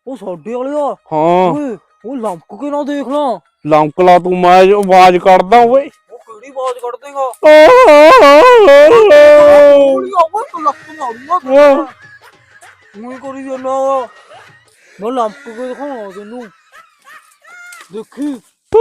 ਉਹ ਸਾਡੇ ਵਾਲਿਆ ਹਾਂ ਓਏ ਉਹ ਲੰਕ ਕੇ ਨਾ ਦੇਖ ਲਾ। ਲੰਕ ਲਾ ਤੂੰ, ਮੈਂ ਆਵਾਜ਼ ਕੱਢਦਾ ਓਏ। ਉਹ ਕਿਹੜੀ ਆਵਾਜ਼ ਕੱਢ ਦੇਗਾ? ਤੂੰ ਲੱਕ ਮਾਰੂਗਾ ਤੂੰ ਕਰੀ ਜਾਂਦਾ। ਮੈਂ ਲੰਕ ਕੇ ਦਿਖਾਉਣਾ ਤੈਨੂੰ, ਦੇਖੀ।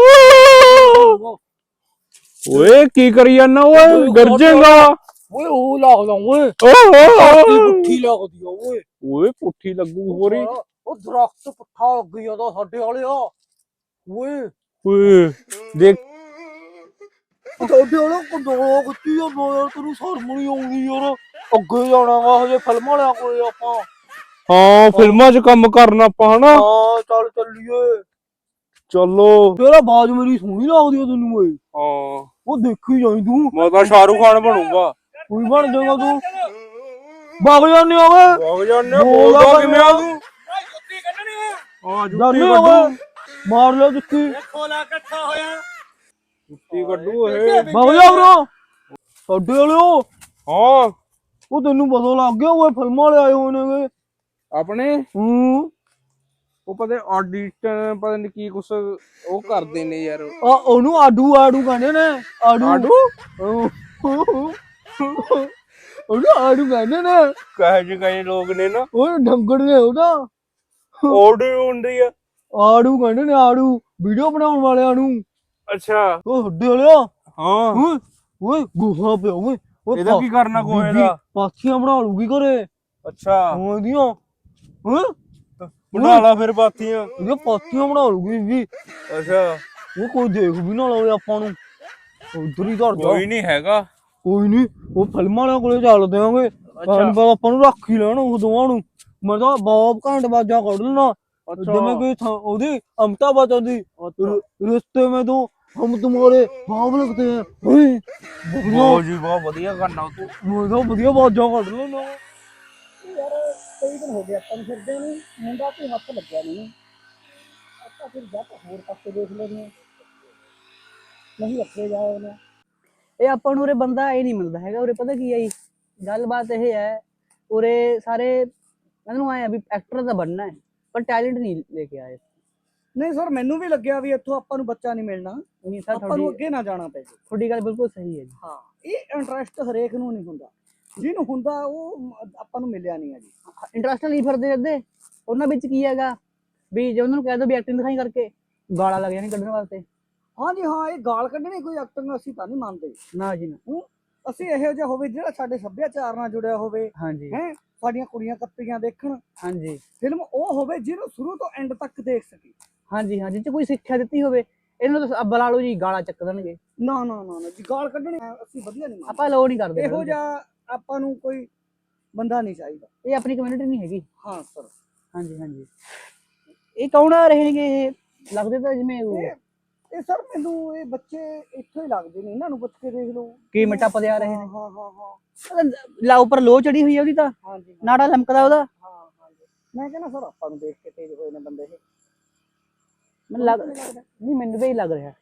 ਓਏ ਕੀ ਕਰੀ ਜਾਂਦਾ ਓਏ, ਗਰਜੇਗਾ। ਓਏ ਉਹ ਲੱਗਦਾ ਓਏ, ਪੁੱਠੀ ਲੱਗਦੀ ਆ ਓਏ। ਓਏ ਪੁੱਠੀ ਲੱਗੂ ਹੋਰੀ। ਉਹ ਦਰਖਤ ਪੁੱਠਾ ਲੱਗ ਜਾਂਦਾ ਸਾਡੇ ਵਾਲਿਆ ਓਏ। ਓਏ ਦੇਖ ਸਾਡੇ ਵਾਲਾ ਕੰਦੋਲਾ ਖਿੱਚੀ ਜਾਂਦਾ ਯਾਰ, ਤੈਨੂੰ ਸ਼ਰਮ ਨੀ ਆਉਂਦੀ ਯਾਰ? ਅੱਗੇ ਜਾਣਾ ਵਾ ਹਜੇ ਫਿਲਮ ਵਾਲਿਆਂ ਕੋਲੇ ਆਪਾਂ। ਹਾਂ ਫਿਲਮਾਂ 'ਚ ਕੰਮ ਕਰਨਾ ਆਪਾਂ ਹਨਾ। ਹਾਂ ਚੱਲ ਚੱਲੀਏ। ਚਲੋ ਤੇਰਾ ਆਵਾਜ਼ ਮੇਰੀ ਸੋਹਣੀ ਲੱਗਦੀ ਆ ਤੈਨੂੰ ਓਏ? ਹਾਂ ਉਹ ਦੇਖੀ ਜਾਈ ਤੂੰ। ਮੈਂ ਤਾਂ ਸ਼ਾਹਰੁਖ ਖਾਨ ਬਣੂਗਾ। ਕੋਈ ਬਣ ਜਾਏਗਾ ਤੂੰ? ਵਗ ਜਾਂਦੇ ਆ ਓਏ। ਵਗ ਜਾਂਦੇ, ਬੋਲਦਾ ਕਿਵੇਂ ਆ ਤੂੰ? ਜੁੱਤੀ ਕੱਢਣੀ ਆ। ਹਾਂ ਜਾਂਦੇ ਜੁੱਤੀ ਆ ਓਏ, ਕੱਢੂ। ਮਾਰ ਲਿਆ ਜੁੱਤੀ। ਖੋਲਾ ਇਕੱਠਾ ਹੋਇਆ, ਜੁੱਤੀ ਕੱਢੂ ਇਹ। ਵਗ ਜਾ ਬਰੋ ਸਾਡੇ ਵਾਲਿਓ। ਹਾਂ ਉਹ ਤੈਨੂੰ ਪਤਾ ਲੱਗ ਗਿਆ ਓਏ, ਫਿਲਮਾਂ ਵਾਲੇ ਆਏ ਹੋਏ ਨੇਗੇ ਆਪਣੇ। ਹੂੰ ਉਹ ਪਤਾ ਆਡੀਸ਼ਨ ਪਤਾ ਨੀ ਕੀ ਕੁਛ ਉਹ ਕਰਦੇ ਨੇ ਯਾਰ। ਉਹਨੂੰ ਆਡੂ ਆਡੂ ਕਹਿੰਦੇ ਨੇ। ਆਡੂ ਉਹਨੂੰ ਆਡੂ ਕਹਿੰਦੇ ਨੇ। ਕਹੇ ਲੋਕ ਨੇ ਨਾ, ਉਹ ਡੰਗਰ ਨੇ ਉਹਦਾ। ਆਡੀਓ ਹੁੰਦੀ ਆ। ਆੜੂ ਕਹਿੰਦੇ ਨੇ, ਆੜੂ ਵੀਡੀਓ ਬਣਾਉਣ ਵਾਲਿਆਂ ਨੂੰ। ਅੱਛਾ ਉਹ ਹੱਡੇ ਵਾਲਿਆ। ਹਾਂ ਓਏ ਗੁਹਾ ਪਿਆ ਓਏ। ਇਹਦਾ ਕੀ ਕਰਨਾ ਗੋਹੇ ਦਾ? ਪਾਥੀਆਂ ਬਣਾ ਲੂਗੀ ਘਰੇ। ਅੱਛਾ ਉਹਦੀਆਂ ਬਣਾ ਲਾ ਫਿਰ ਪਾਥੀਆਂ। ਇਹਦੀਆਂ ਪਾਥੀਆਂ ਬਣਾ ਲੂਗੀ ਵੀ। ਅੱਛਾ ਉਹ ਕੋਈ ਦੇਖ ਵੀ ਨਾ ਲਵੇ ਆਪਾਂ ਨੂੰ, ਉਧਰ ਹੀ ਧਰ ਜਾ। ਕੋਈ ਨਹੀਂ ਹੈਗਾ। ਕੋਈ ਨੀ, ਉਹ ਫਿਲਮਾਂ ਵਾਲਿਆਂ ਕੋਲੇ ਚੱਲਦੇ ਆਂਗੇ। ਆਪਾਂ ਨੂੰ ਰੱਖ ਹੀ ਲੈਣ ਉਹ ਦੋਵਾਂ ਨੂੰ। ਮੈਂ ਤਾਂ ਬਹੁਤ ਘੰਟ ਬਾਜਾ ਕੱਢ ਲੈਣਾ ਜਿਵੇਂ ਕੋਈ ਉਹਦੀ ਅਮਿਤਾਭ ਬੱਚਨ ਦੀ ਰਿਸ਼ਤੇ में तो हम तुम्हारे ख्वाब लगते हैं। ਬਹੁਤ ਜੀ ਬਹੁਤ ਵਧੀਆ ਕਰਨਾ ਤੂੰ। ਮੈਂ ਤਾਂ ਵਧੀਆ ਬਾਜਾਂ ਕੱਢ ਲੈਣਾ ਯਾਰ ਕਈ ਦਿਨ ਹੋ ਗਏ ਆਪਾਂ ਨੂੰ ਫਿਰਦੇ ਨੂੰ, ਮੁੰਡਾ ਕੋਈ ਹੱਥ ਲੱਗਿਆ ਨਹੀਂ। ਆਪਾਂ ਫਿਰ ਜਾ ਹੋਰ ਪਾਸੇ ਦੇਖ ਲੈਂਦੇ ਨਹੀਂ ਰੱਖੇ ਜਾਏ ਉਹਨੇ। ਇਹ ਆਪਾਂ ਨੂੰ ਉਰੇ ਬੰਦਾ ਇਹ ਨਹੀਂ ਮਿਲਦਾ ਹੈਗਾ। ਉਰੇ ਪਤਾ ਕੀ ਹੈ ਜੀ, ਗੱਲਬਾਤ ਇਹ ਹੈ, ਉਰੇ ਸਾਰੇ ਮੈਨੂੰ ਆਏ ਆ ਵੀ ਐਕਟਰ ਤਾਂ ਬਣਨਾ ਹੈ ਪਰ ਟੈਲੈਂਟ ਨਹੀਂ ਲੈ ਕੇ ਆਏ। ਨਹੀਂ ਸਰ, ਮੈਨੂੰ ਵੀ ਲੱਗਿਆ ਵੀ ਇੱਥੋਂ ਆਪਾਂ ਨੂੰ ਬੱਚਾ ਨਹੀਂ ਮਿਲਣਾ। ਨਹੀਂ ਸਰ, ਆਪਾਂ ਨੂੰ ਅੱਗੇ ਨਾ ਜਾਣਾ ਪਏ। ਤੁਹਾਡੀ ਗੱਲ ਬਿਲਕੁਲ ਸਹੀ ਹੈ ਜੀ। ਹਾਂ, ਇਹ ਇੰਟਰਸਟ ਹਰੇਕ ਨੂੰ ਨਹੀਂ ਹੁੰਦਾ, ਜਿਹਨੂੰ ਹੁੰਦਾ ਉਹ ਆਪਾਂ ਨੂੰ ਮਿਲਿਆ ਨਹੀਂ ਹੈ ਜੀ। ਇੰਟਰਸਟ ਨਹੀਂ ਫਿਰਦੇ ਅੱਧੇ ਉਹਨਾਂ ਵਿੱਚ ਕੀ ਹੈਗਾ ਵੀ ਜੇ ਉਹਨਾਂ ਨੂੰ ਕਹਿ ਦੋ ਵੀ ਐਕਟਿੰਗ ਦਿਖਾਈ ਕਰਕੇ ਗਾਲਾਂ ਲੱਗ ਜਾਣੀ ਕੱਢਣ ਵਾਸਤੇ। ਹਾਂਜੀ ਹਾਂ, ਇਹ ਗਾਲ ਕੱਢਣੀ ਕੋਈ ਐਕਟਿੰਗ ਅਸੀਂ ਤਾਂ ਨਹੀਂ ਮੰਨਦੇ ਨਾ ਜੀ ਨਾ। ਅਸੀਂ ਇਹੋ ਜਿਹਾ ਹੋਵੇ ਜਿਹੜਾ ਸਾਡੇ ਸੱਭਿਆਚਾਰ ਨਾਲ ਜੁੜਿਆ ਹੋਵੇ। ਹਾਂਜੀ ਹੈ, ਸਾਡੀਆਂ ਕੁੜੀਆਂ ਕੱਤਰੀਆਂ ਦੇਖਣ। ਹਾਂਜੀ, ਫਿਲਮ ਉਹ ਹੋਵੇ ਜਿਹਨੂੰ ਸ਼ੁਰੂ ਤੋਂ ਐਂਡ ਤੱਕ ਦੇਖ ਸਕੀ। ਹਾਂਜੀ ਹਾਂ, ਜਿੱਥੇ ਕੋਈ ਸਿੱਖਿਆ ਦਿੱਤੀ ਹੋਵੇ। ਇਹਨਾਂ ਨੂੰ ਬੁਲਾ ਲਓ ਜੀ, ਗਾਲਾਂ ਚੱਕ ਦੇਣਗੇ। ਨਾ ਨਾ ਨਾ ਜੀ, ਗਾਲ ਕੱਢਣੀ ਅਸੀਂ ਵਧੀਆ ਨਹੀਂ, ਆਪਾਂ ਅਲਾਉ ਨਹੀਂ ਕਰਦੇ। ਇਹੋ ਜਿਹਾ ਆਪਾਂ ਨੂੰ ਕੋਈ ਬੰਦਾ ਨਹੀਂ ਚਾਹੀਦਾ। ਇਹ ਆਪਣੀ ਕਮਿਊਨਿਟੀ ਨਹੀਂ ਹੈਗੀ। ਹਾਂ ਸਰ। ਹਾਂਜੀ ਹਾਂਜੀ, ਇਹ ਕੌਣ ਆ ਰਹੇ ਨੇਗੇ? ਇਹ ਲੱਗਦੇ ਤਾਂ ਜਿਵੇਂ ਇਹ ਸਰ ਮੈਨੂੰ ਇਹ ਬੱਚੇ ਇੱਥੋਂ ਹੀ ਲੱਗਦੇ ਨੇ। ਇਹਨਾਂ ਨੂੰ ਪੁੱਛ ਕੇ ਦੇਖ ਲਓ ਕੀ ਮਿੱਟਾ ਪਦੇ ਆ ਰਹੇ ਨੇ। ਹਾਂ ਹਾਂ ਹਾਂ, ਲਾ ਉੱਪਰ ਲੋ ਚੜੀ ਹੋਈ ਹੈ ਉਹਦੀ ਤਾਂ। ਹਾਂਜੀ, ਨਾੜਾ ਲਮਕਦਾ ਉਹਦਾ। ਹਾਂ ਹਾਂਜੀ, ਮੈਂ ਕਹਿੰਦਾ ਸਰ ਆਪਾਂ ਨੂੰ ਦੇਖ ਕੇ ਤੇਜ਼ ਹੋਏ ਨੇ ਬੰਦੇ ਇਹ। ਮੈਨੂੰ ਨਹੀਂ, ਮੈਨੂੰ ਵੀ ਲੱਗ ਰਿਹਾ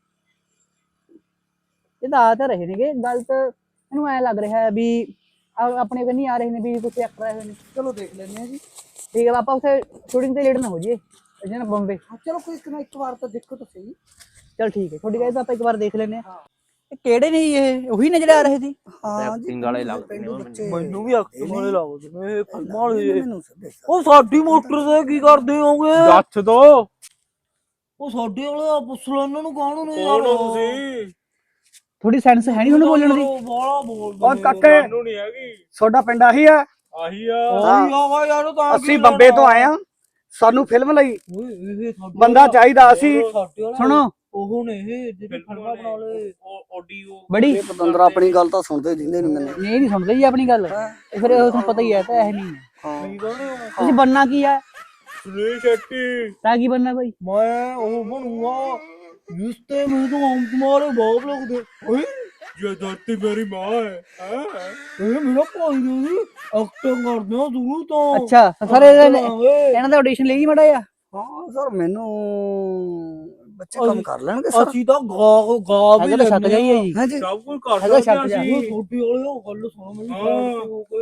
ਇਹ ਤਾਂ ਆ ਤਾਂ ਰਹੇ ਨੇਗੇ। ਗੱਲ ਤਾਂ ਮੈਨੂੰ ਐ ਲੱਗ ਰਿਹਾ ਵੀ ਆਪਣੇ ਕੰਨੀ ਆ ਰਹੇ ਨੇ ਵੀ ਕੁਛ ਐਕਟਰ ਆਏ ਹੋਏ ਨੇ। ਚਲੋ ਦੇਖ ਲੈਂਦੇ ਆ ਜੀ। ਠੀਕ ਹੈ, ਆਪਾਂ ਉੱਥੇ ਸ਼ੂਟਿੰਗ ਤੇ ਲੇਟ ਨਾ ਹੋ ਜਾਈਏ ਨਾ ਬੰਬੇ। ਚਲੋ ਕੋਈ ਇੱਕ ਵਾਰ ਤਾਂ ਦੇਖੋ ਤਾਂ ਸਹੀ। ਚਲ ਠੀਕ ਹੈ, ਤੁਹਾਡੀ ਗੱਲ ਤਾਂ ਆਪਾਂ ਇੱਕ ਵਾਰ ਦੇਖ ਲੈਂਦੇ ਆ। ਇਹ ਕਿਹੜੇ ਨੇ ਇਹ? ਉਹੀ ਨੇ ਜਿਹੜੇ ਆ ਰਹੇ ਸੀ? ਹਾਂ, ਐਕਟਿੰਗ ਵਾਲੇ ਲੱਗਦੇ ਨੇ ਮੈਨੂੰ ਵੀ ਐਕਟਿੰਗ ਵਾਲੇ ਲੱਗਦੇ ਨੇ ਇਹ ਫਿਲਮਾਂ ਵਾਲੇ। ਉਹ ਸਾਡੀ ਮੋਟਰ ਤੇ ਕੀ ਕਰਦੇ ਹੋਗੇ? ਦੱਸ ਦੋ। ਉਹ ਸਾਡੇ ਵਾਲੇ ਪੁੱਛ ਲਓ ਇਹਨਾਂ ਨੂੰ ਕੌਣ ਨੇ ਕੌਣ ਹੋ ਤੁਸੀਂ? ਥੋੜੀ ਸੈਂਸ ਹੈ ਨਹੀਂ ਉਹਨੂੰ ਬੋਲਣ ਦੀ? ਬਾਲਾ ਬੋਲਦੇ ਉਹ ਕਾਕੇ, ਸਾਨੂੰ ਨਹੀਂ ਹੈਗੀ। ਤੁਹਾਡਾ ਪਿੰਡ ਆਹੀ ਆ? ਆਹੀ ਆ। ਆਹੀ ਆ ਯਾਰ, ਤਾਂ ਅਸੀਂ ਬੰਬੇ ਤੋਂ ਆਏ ਆ। ਸਾਨੂੰ ਫਿਲਮ ਲਈ ਬੰਦਾ ਚਾਹੀਦਾ। ਅਸੀਂ ਸੁਣੋ, ਉਹ ਨੇ ਇਹ ਜਿਹੜੇ ਫਿਲਮਾਂ ਬਣਾ ਲਏ ਆਡੀਓ ਬੜੀ ਪਤੰਦਰਾ ਆਪਣੀ ਗੱਲ ਤਾਂ ਸੁਣਦੇ ਦਿੰਦੇ ਨਹੀਂ ਮੈਨੂੰ। ਨਹੀਂ ਸੁਣਦੇ ਜੀ ਆਪਣੀ ਗੱਲ। ਫਿਰ ਤੁਹਾਨੂੰ ਪਤਾ ਹੀ ਹੈ ਤਾਂ ਇਹ ਨਹੀਂ ਹੈ। ਤੁਸੀਂ ਬੰਨਾ ਕੀ ਆ? ਸੁਨੀਲ ਸ਼ੈਟੀ। ਤਾਂ ਕੀ ਬੰਨਾ ਭਾਈ? ਮੈਂ ਉਹ ਬਣੂਗਾ ਰਿਸ਼ਤੇ में तो हम तुम्हारे बाप लगते। ਓਏ ये धरती मेरी माँ है। ਇਹ ਮੇਰਾ ਭਾਈ ਜੀ ਐਕਟਿੰਗ ਕਰਦੇ ਆ ਦੂਰ ਤੋਂ। ਅੱਛਾ ਸਰ, ਇਹਨਾਂ ਦਾ ਆਡੀਸ਼ਨ ਲਈ ਮੜਾ ਆ? ਹਾਂ ਸਰ, ਮੈਨੂੰ ਬੱਚੇ ਕੰਮ ਕਰ ਲੈਣਗੇ ਸਰ। ਅਸੀਂ ਤਾਂ ਗਾ ਵੀ ਛੱਤ ਜਾਈ ਹੈ ਜੀ। ਹਾਂਜੀ, ਸਭ ਕੁਝ ਕਰ ਹੈਗਾ ਸਕਦੇ ਛੱਤ ਜਾ। ਅਸੀਂ। ਛੋਟੀ ਵਾਲੇ ਗੱਲ ਸੁਣੋ ਮੇਰੀ।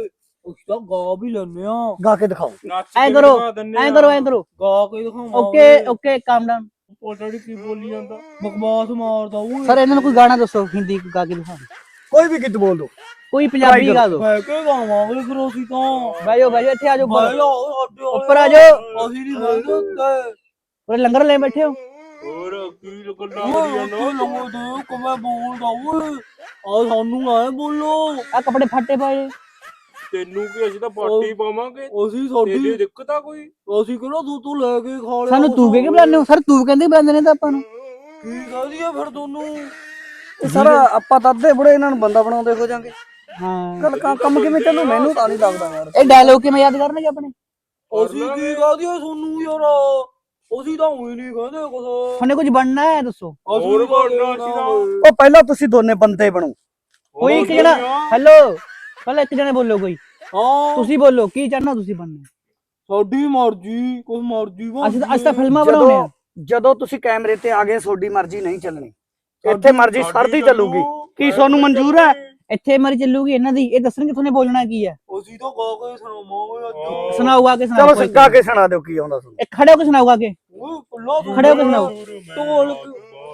ਉਸ ਤਾਂ ਗਾ ਵੀ ਲੈਣੇ ਆ, ਗਾ ਕੇ ਦਿਖਾਓ। ਨੱਚ ਐਂ ਕੇ ਕਰੋ, ਦਿਖਾ ਦਿੰਨੇ ਐਂ ਆ। ਕਰੋ, ਐਂ ਕਰੋ। ਗਾ ਕੇ ਦਿਖਾਵਾਂਗੇ। Okay okay, calm down. ਪਤਾ ਨੀ ਕੀ ਬੋਲੀ ਜਾਂਦਾ। ਬਕਵਾਸ ਮਾਰਦਾ ਓਏ। ਸਰ ਇਹਨਾਂ ਨੂੰ ਕੋਈ ਗਾਣਾ ਦੱਸੋ ਹਿੰਦੀ ਗਾ ਕੇ ਦਿਖਾ। ਕੋਈ ਵੀ ਗੀਤ ਬੋਲ ਦੋ। ਕੋਈ ਪੰਜਾਬੀ ਗਾ ਦੋ। ਬਹਿ ਕੇ ਗਾਵਾਂਗੇ ਫਿਰ ਅਸੀਂ ਤਾਂ। ਬਹਿ ਜਾਓ ਇੱਥੇ ਆ ਜਾਓ ਬਹਿ ਉੱਪਰ। ਜਾਓ ਸਾਡੇ ਉੱਪਰ ਆ ਜਾਓ। ਅਸੀਂ ਨਹੀਂ ਬਹਿੰਦੇ ਉੱਤੇ। ਉਰੇ ਲੰਗਰ ਲੈ ਬੈਠੇ ਹੋ। ਹੋਰ ਕੀ ਗੱਲਾਂ ਓਏ ਕਰੀ ਉੱਤੇ ਜਾਂਦਾ ਲੰਗੋ ਦੇ ਕਿਵੇਂ ਬੋਲਦਾ ਓਏ। ਆ ਸਾਨੂੰ ਐ ਬੋਲੋ। ਆ ਕੱਪੜੇ ਫੱਟੇ ਪਏ। ਤੈਨੂੰ ਕੀ ਅਸੀਂ ਤਾਂ ਪਾਰਟੀ ਪਾਵਾਂਗੇ। ਅਸੀਂ ਤੇਰੀ ਸਾਡੀ ਦਿੱਕਤ ਆ ਕੋਈ? ਅਸੀਂ ਕਿਹੜਾ ਤੂੰ ਲੈ ਕੇ ਖਾ ਲਿਆ ਸਾਨੂੰ ਤੂੰ ਕਹਿ ਕੇ ਬੁਲਾਉਂਦੇ ਹੋ ਸਰ, ਤੂੰ ਕਹਿੰਦੇ ਬੁਲਾਉਂਦੇ ਨੇ ਤਾਂ ਆਪਾਂ ਨੂੰ। ਕੀ ਕਹਦੀ ਆ ਫਿਰ ਤੁਹਾਨੂੰ? ਇਹ ਸਾਰਾ ਆਪਾਂ ਤਾਂ ਅੱਧੇ ਬੁੜੇ ਇਹਨਾਂ ਨੂੰ ਬੰਦਾ ਬਣਾਉਂਦੇ ਹੋ ਜਾਾਂਗੇ। ਹਾਂ, ਗੱਲ ਕੰਮ ਕਿਵੇਂ ਚੱਲੂ ਮੈਨੂੰ ਤਾਂ ਨਹੀਂ ਲੱਗਦਾ ਯਾਰ। ਇਹ ਡਾਇਲੋਗ ਕਿਵੇਂ ਯਾਦ ਕਰਨਗੇ ਆਪਣੇ? ਅਸੀਂ ਕੀ ਕਹਦੀ ਆ ਤੁਹਾਨੂੰ ਯਾਰ? ਅਸੀਂ ਤਾਂ ਉਹੀ ਨਹੀਂ ਕਹਿੰਦੇ ਕੁਛ। ਤੁਹਾਨੂੰ ਕੁਝ ਬਣਨਾ ਹੈ ਦੱਸੋ। ਹੋਰ ਬਣਨਾ ਸੀ ਤਾਂ। ਉਹ ਪਹਿਲਾਂ ਤੁਸੀਂ ਦੋਨੇ ਬੰਦੇ ਬਣੋ। ਕੋਈ ਇੱਕ ਜਣਾ, ਹੈਲੋ, ਪਹਿਲਾਂ ਇੱਕ ਜਣੇ ਬੋਲੋ ਕੋਈ। ਹਾਂ ਤੁਸੀਂ ਬੋਲੋ ਕੀ ਚਾਹਨਾ ਤੁਸੀਂ ਬਣਨਾ। ਸਾਡੀ ਮਰਜ਼ੀ, ਕੁਛ ਮਰਜ਼ੀ ਅਸੀਂ ਤਾਂ ਫਿਲਮਾਂ ਬਣਾਉਣੇ ਆ। ਜਦੋਂ ਤੁਸੀਂ ਕੈਮਰੇ ਤੇ ਆ ਗਏ ਤੁਹਾਡੀ ਮਰਜ਼ੀ ਨਹੀਂ ਚੱਲਣੀ। ਇੱਥੇ ਮਰਜ਼ੀ ਸਰਦੀ ਚੱਲੂਗੀ। ਕੀ ਤੁਹਾਨੂੰ ਮਨਜ਼ੂਰ ਹੈ? ਇੱਥੇ ਮਰੀ ਚੱਲੂਗੀ ਇਹਨਾਂ ਦੀ। ਇਹ ਦੱਸਣਗੇ ਤੁਹਾਨੂੰ ਬੋਲਣਾ ਕੀ ਹੈ। ਅਸੀਂ ਤਾਂ ਗਾ ਕੇ ਸੁਣਾਵਾਂਗੇ ਅੱਜ। ਸੁਣਾਊਗਾ ਕਿ ਚਲੋ ਸੁਣਾਓ। ਗਾ ਕੇ ਸੁਣਾ ਦਿਓ ਕੀ ਆਉਂਦਾ ਤੁਹਾਨੂੰ। ਇੱਕ ਖੜੇ ਹੋ ਕੇ ਸੁਣਾਊਗਾ ਕਿ ਓਏ ਕੁੱਲਾ ਖੜੇ ਹੋ ਕੇ ਸੁਣਾਓ। ਢੋਲਕ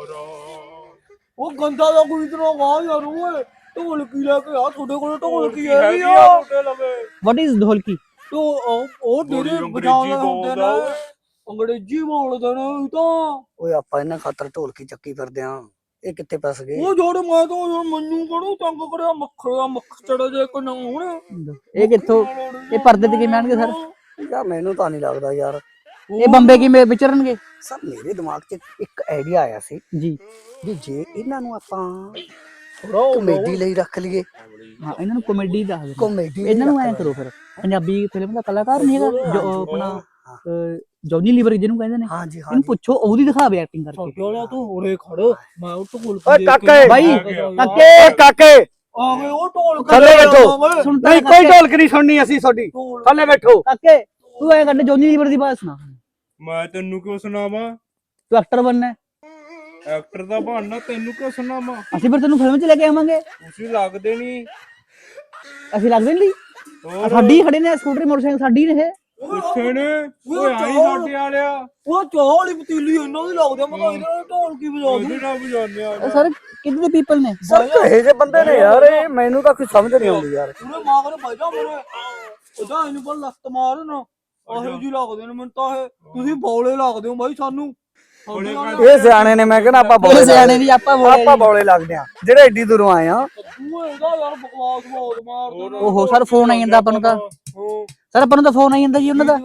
ਉਹ ਗੰਦਾ ਦਾ ਕੋਈ ਇਤਨਾ ਗਾ ਯਾਰ ਓਏ। ਢੋਲਕੀ ਲੈ ਕੇ ਆ, ਤੁਹਾਡੇ ਕੋਲ ਢੋਲਕੀ ਹੈਗੀ ਆ? ਵਾਟ ਇਜ਼ ਢੋਲਕੀ? ਉਹ ਜਿਹੜੇ ਬਜਾਉਂਦੇ ਹੁੰਦੇ ਨੇ ਅੰਗਰੇਜ਼ੀ ਬੋਲਦੇ ਨੇ ਇਹ ਤਾਂ। ਓਏ ਆਪਾਂ ਇਹਨਾਂ ਖਾਤਰ ਢੋਲਕੀ ਚੱਕੀ ਫਿਰਦੇ ਆ। ਇਹ ਕਿੱਥੇ ਫਸ ਗਏ? ਉਹ ਜੋੜ ਮੈਂ ਤਾਂ ਯਾਰ ਮੈਨੂੰ ਕਿਹੜਾ ਤੰਗ ਕਰਿਆ ਮੱਖੜਾ ਮੱਖੜਾ ਜੇ ਕੋ ਨਾ ਹੁਣ। ਇਹ ਕਿੱਥੋਂ, ਇਹ ਪਰਦੇ ਤੇ ਕਿਵੇਂ ਆਣਗੇ ਸਰ? ਯਾਰ ਮੈਨੂੰ ਤਾਂ ਨਹੀਂ ਲੱਗਦਾ ਯਾਰ। ਇਹ ਬੰਬੇ ਕਿਵੇਂ ਵਿਚਰਨਗੇ? ਸਰ ਮੇਰੇ ਦਿਮਾਗ 'ਚ ਇੱਕ ਆਈਡੀਆ ਆਇਆ ਸੀ ਜੀ ਵੀ ਜੇ ਇਹਨਾਂ ਨੂੰ ਆਪਾਂ ਥੋੜਾ ਕਮੇਡੀ ਲਈ ਰੱਖ ਲਈਏ। ਹਾਂ, ਇਹਨਾਂ ਨੂੰ ਕਾਮੇਡੀ ਦੱਸ ਦਿਓ। ਕਮੇਡੀ ਇਹਨਾਂ ਨੂੰ ਐਂ ਕਰੋ ਫਿਰ, ਪੰਜਾਬੀ ਫਿਲਮ ਦਾ ਕਲਾਕਾਰ ਨਹੀਂ ਹੈਗਾ ਜੋ ਆਪਣਾ ਜੌਨੀ ਲੀਵਰ ਜਿਹਨੂੰ ਕਹਿੰਦੇ ਨੇ, ਹਾਂਜੀ ਇਹਨੂੰ ਪੁੱਛੋ ਉਹਦੀ ਦਿਖਾਵੇ ਐਕਟਿੰਗ ਕਰਕੇ। ਸੋਲਾ ਤੂੰ ਹੋਰੇ ਖੜ, ਮੈਂ ਉਹ ਢੋਲ ਓਏ ਕਾਕੇ ਬਾਈ ਓਏ ਕਾਕੇ ਆ ਗਏ ਉਹ ਢੋਲ ਥੱਲੇ ਬੈਠੋ। ਸੁਣਦਾ ਨਹੀਂ ਕੋਈ ਢੋਲਕ ਨਹੀਂ ਸੁਣਨੀ ਅਸੀਂ ਤੁਹਾਡੀ। ਥੱਲੇ ਬੈਠੋ। ਕਾਕੇ ਤੂੰ ਐਂ ਕਰ, ਜੌਨੀ ਲੀਵਰ ਦੀ ਬਾਤ ਸੁਣਾ। ਮੈਂ ਤੈਨੂੰ ਕਿਉਂ ਸੁਣਾਵਾਂ? ਤੂੰ ਐਕਟਰ ਬਣਨਾ ਹੈ। ਐਕਟਰ ਦਾ ਬਹਾਨਾ ਤੈਨੂੰ ਕਿਉਂ ਸੁਣਾਵਾਂ? ਅਸੀਂ ਫਿਰ ਤੈਨੂੰ ਫਿਲਮ 'ਚ ਲੈ ਕੇ ਆਵਾਂਗੇ। ਤੁਸੀਂ ਲੱਗਦੇ ਨਹੀਂ। ਅਸੀਂ ਲੱਗਦੇ ਨਹੀਂ। ਸਾਡੀ ਖੜੇ ਨੇ ਸਕੂਟਰੀ ਮੋਟਰਸਾਈਕਲ ਸਾਡੀ ਨੇ ਇਹ। ਕਿੱਥੇ ਨੇ? ਓਏ ਆਈ ਸਾਡੇ ਵਾਲਿਆ। ਉਹ ਚਾਹ ਵਾਲੀ ਪਤੀਲੀ ਇਹਨਾਂ ਦੀ ਲੱਗਦੀ ਆ। ਮੈਂ ਕਿਹਾ ਇਹਦੇ ਨਾਲ ਢੋਲ ਕੀ ਵਜਾ ਉਹਦੇ ਨਾਲ ਵਜਾਉਂਦੇ ਆ। ਸਰ ਕਿੰਨੇ ਪੀਪਲ ਨੇ? ਸਰ ਕਹੇ ਜੇ ਬੰਦੇ ਨੇ ਯਾਰ ਇਹ ਮੈਨੂੰ ਤਾਂ ਕੁਝ ਸਮਝ ਨਹੀਂ ਆਉਂਦੀ ਯਾਰ। ਪੂਰੇ ਮਾਗਰ ਬੈਠਾ ਮੇਰੇ ਉਹਦਾ ਇਹਨੂੰ ਪਰ ਲੱਤ ਮਾਰ ਨਾ ਆਹੇ ਜੀ ਲੱਗਦੇ ਨੇ ਮੈਨੂੰ ਤਾਂ ਇਹ। ਤੁਸੀਂ ਬੌਲੇ ਲੱਗਦੇ ਹੋ ਬਾਈ ਸਾਨੂੰ। ਇਹ ਸਿਆਣੇ ਨੇ, ਮੈਂ ਕਹਿੰਦਾ ਆਪਾਂ ਬੌਲੇ ਸਿਆਣੇ ਦੀ ਆਪਾਂ ਬੌਲੇ ਲੱਗਦੇ ਆ ਜਿਹੜੇ ਏਡੀ ਦੂਰੋਂ ਆਏ ਆ। ਤੂੰ ਇਹਦਾ ਯਾਰ ਬਕਵਾਸ ਬਹੁਤ ਮਾਰਦਾ ਨਾ। ਓਹੋ ਸਰ ਫੋਨ ਆਈ ਜਾਂਦਾ ਆਪਾਂ ਨੂੰ ਤਾਂ। ਸਰ ਆਪਾਂ ਨੂੰ ਤਾਂ ਫੋਨ ਆਈ ਜਾਂਦਾ ਜੀ ਉਹਨਾਂ ਦਾ।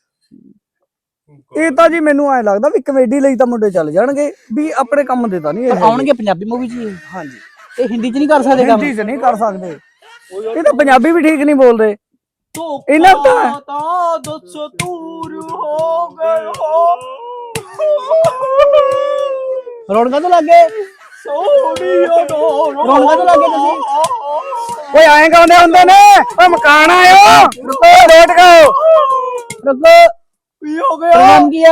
ਇਹ ਤਾਂ ਜੀ ਮੈਨੂੰ ਐ ਲੱਗਦਾ ਵੀ ਕਮੇਡੀ ਲਈ ਤਾਂ ਮੁੰਡੇ ਚੱਲ ਜਾਣਗੇ ਵੀ ਆਪਣੇ ਕੰਮ ਦੇ ਤਾਂ ਨਹੀਂ ਇਹ। ਆਉਣਗੇ ਪੰਜਾਬੀ ਮੂਵੀ 'ਚ ਹੀ। ਹਾਂਜੀ ਇਹ ਹਿੰਦੀ 'ਚ ਨਹੀਂ ਕਰ ਸਕਦੇ ਕੰਮ। ਹਿੰਦੀ 'ਚ ਨਹੀਂ ਕਰ ਸਕਦੇ। ਇਹ ਤਾਂ ਪੰਜਾਬੀ ਵੀ ਠੀਕ ਨਹੀਂ ਬੋਲਦੇ। ਇਹਨਾਂ ਤਾਂ ਦੱਸ ਦੂਰ ਹੋ ਗਏ ਹੋ ਰੌਣਕਾਂ ਤੋਂ ਲੱਗੇ। ਸੋਹਣੀਆਂ ਰੌਣਕਾਂ ਤੋਂ ਲੱਗੇ ਤੁਸੀਂ। ਓਏ ਐਂ ਗਾਉਂਦੇ ਹੁੰਦੇ ਨੇ। ਓਏ ਮਕਾਨ ਆਇਓ ਰੁਕੋ ਲੇਟ ਗਓ। ਰੁਕੋ, ਕੀ ਹੋ ਤੇਰਾ ਗਿਆ? ਨਾਮ ਕੀ ਆ?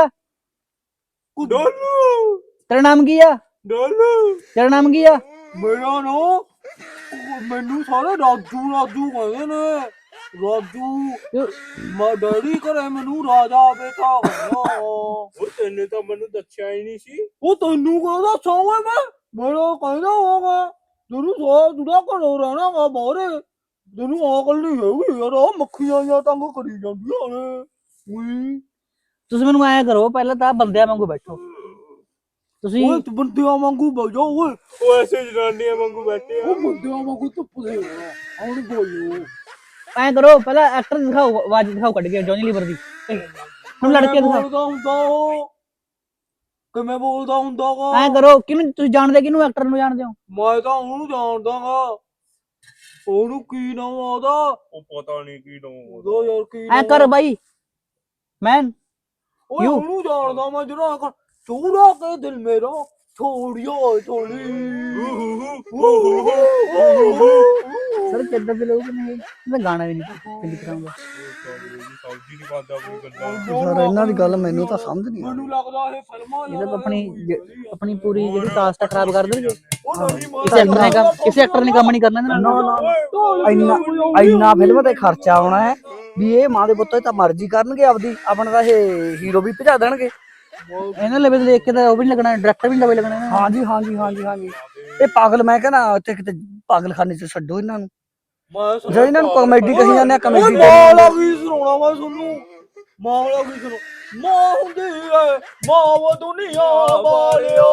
ਡੋਲੂ ਤੇਰਾ ਨਾਮ ਕੀ ਆ? ਡੋਲੂ ਤੇਰਾ ਨਾਮ ਕੀ ਆ? ਮੇਰਾ ਨਾ ਮੈਨੂੰ ਸਾਰੇ ਰਾਜੂ ਰਾਜੂ ਕਹਿੰਦੇ ਨੇ। ਰਾਜੂ ਮੈਂ ਡੈਡੀ ਘਰੇ ਮੈਨੂੰ ਰਾਜਾ ਬੇਟਾ ਕਹਿੰਦਾ। ਉਹ ਤੈਨੂੰ ਤਾਂ ਮੈਨੂੰ ਦੱਸਿਆ ਹੀ ਨਹੀਂ ਸੀ। ਉਹ ਤੈਨੂੰ ਕਹਿੰਦਾ ਸੌਂਗਾ ਮੈਂ ਮੇਰਾ ਕਹਿੰਦਾ ਹੋਗਾ ਤੈਨੂੰ ਸੌ ਦੁੜਾ ਘਰੋਂ ਰਹਿਣਾ ਗਾ ਬਾਹਰੇ। ਤੈਨੂੰ ਆਕਲ ਨਹੀਂ ਹੈਗੀ ਯਾਰ। ਆਹ ਮੱਖੀਆਂ ਜਾਂ ਤੰਗ ਕਰੀ ਜਾਂਦੀਆਂ ਨੇ। ਉਈ ਤੁਸੀਂ ਮੈਨੂੰ ਐਂ ਕਰੋ, ਪਹਿਲਾਂ ਤਾਂ ਬੰਦਿਆਂ ਵਾਂਗੂ ਬੈਠੋ ਤੁਸੀਂ। ਓਏ ਤੂੰ ਬੰਦਿਆਂ ਵਾਂਗੂ ਬਜਾ ਓਏ। ਉਹ ਐਸੇ ਜਨਾਨੀਆਂ ਵਾਂਗੂ ਬੈਠੇ ਆ। ਉਹ ਬੰਦਿਆਂ ਵਾਂਗੂ ਧੁੱਪ ਦੇ ਹੁਣ ਬੋਲੋ। ਐਂ ਕਰੋ, ਪਹਿਲਾਂ ਐਕਟਰ ਦਿਖਾਓ, ਆਵਾਜ਼ ਦਿਖਾਓ ਕੱਢ ਕੇ ਜੌਨੀ ਲੀਵਰ ਦੀ। ਹੁਣ ਲੜਕੇ ਦਿਖਾਓ। ਬੋਲਦਾ ਹੁੰਦਾ ਉਹ ਕਿਵੇਂ ਬੋਲਦਾ ਹੁੰਦਾ ਗਾ? ਐਂ ਕਰੋ, ਕਿਹਨੂੰ ਤੁਸੀਂ ਜਾਣਦੇ, ਕਿਹਨੂੰ ਐਕਟਰ ਨੂੰ ਜਾਣਦੇ ਹੋ? ਮੈਂ ਤਾਂ ਉਹਨੂੰ ਜਾਣਦਾ ਗਾ। ਉਹਨੂੰ ਕੀ ਨਾਮ ਆਦਾ? ਉਹ ਪਤਾ ਨਹੀਂ ਕੀ ਨਾਮ ਉਹਦਾ ਯਾਰ ਕੀ ਐਂ ਕਰ ਬਾਈ ਮੈਨ। ਓਏ ਉਹਨੂੰ ਜਾਣਦਾ ਮੈਂ ਜਿਹੜਾ ਚੂੜਾ ਕੇ ਦਿਲ ਮੇਰਾ ਛੋੜਿਓ ਛੋੜੀ ਸਰ ਕਿੱਦਾਂ ਦੇ ਲੋਕ ਨੇ ਇਹ? ਮੈਂ ਗਾਣਾ ਵੀ ਨਹੀਂ ਕਿੰਨੀ ਕਰਾਂਗਾ ਸਬਜ਼ੀ ਨਹੀਂ ਖਾਂਦਾ ਕੋਈ ਗੱਲਾਂ ਸਰ ਇਹਨਾਂ ਦੀ ਗੱਲ ਮੈਨੂੰ ਤਾਂ ਸਮਝ ਨਹੀਂ ਮੈਨੂੰ ਲੱਗਦਾ ਇਹ ਫਿਲਮਾਂ ਇਹ ਤਾਂ ਆਪਣੀ ਪੂਰੀ ਜਿਹੜੀ ਕਾਸਟ ਆ ਖਰਾਬ ਕਰ ਦੇਣਗੇ ਉਹ ਕਿਸੇ ਐਕਟਰ ਨੇ ਕੰਮ ਨਹੀਂ ਕਰਨਾ ਇਹਨਾਂ ਨਾਲ। ਇੰਨਾ ਫਿਲਮ ਤੇ ਖਰਚਾ ਆਉਣਾ ਹੈ ਵੀ ਇਹ ਮਾਂ ਦੇ ਪੁੱਤ ਤਾਂ ਮਰਜ਼ੀ ਕਰਨਗੇ ਆਪਦੀ ਆਪਣਾ ਤਾਂ ਇਹ ਹੀਰੋ ਵੀ ਭਜਾ ਦੇਣਗੇ। ਇਹਨਾਂ ਲੈਵਲ ਦੇਖ ਕੇ ਤਾਂ ਉਹ ਵੀ ਨਹੀਂ ਲੱਗਣਾ, ਡਾਇਰੈਕਟਰ ਵੀ ਨਹੀਂ ਲੱਗਣਾ ਇਹਨਾਂ ਨੂੰ। ਹਾਂਜੀ ਹਾਂਜੀ ਹਾਂਜੀ ਹਾਂਜੀ ਇਹ ਪਾਗਲ ਮੈਂ ਕਹਿੰਦਾ ਉੱਥੇ ਕਿਤੇ ਪਾਗਲਖਾਨੇ ਚ ਛੱਡੋ ਇਹਨਾਂ ਨੂੰ। ਜੇ ਇਹਨਾਂ ਨੂੰ ਕਾਮੇਡੀ ਕਹੀ ਜਾਂਦੇ ਆ ਕਾਮੇਡੀ ਮਾਲਾ ਕੀ ਸੁਣਾਉਣਾ ਵਾ ਤੁਹਾਨੂੰ ਮਾਲਾ ਕੀ ਸੁਣੋ ਮਾਂ ਹੁੰਦੀ ਐ ਮਾਂ ਉਹ ਦੁਨੀਆ ਵਾਲਿਓ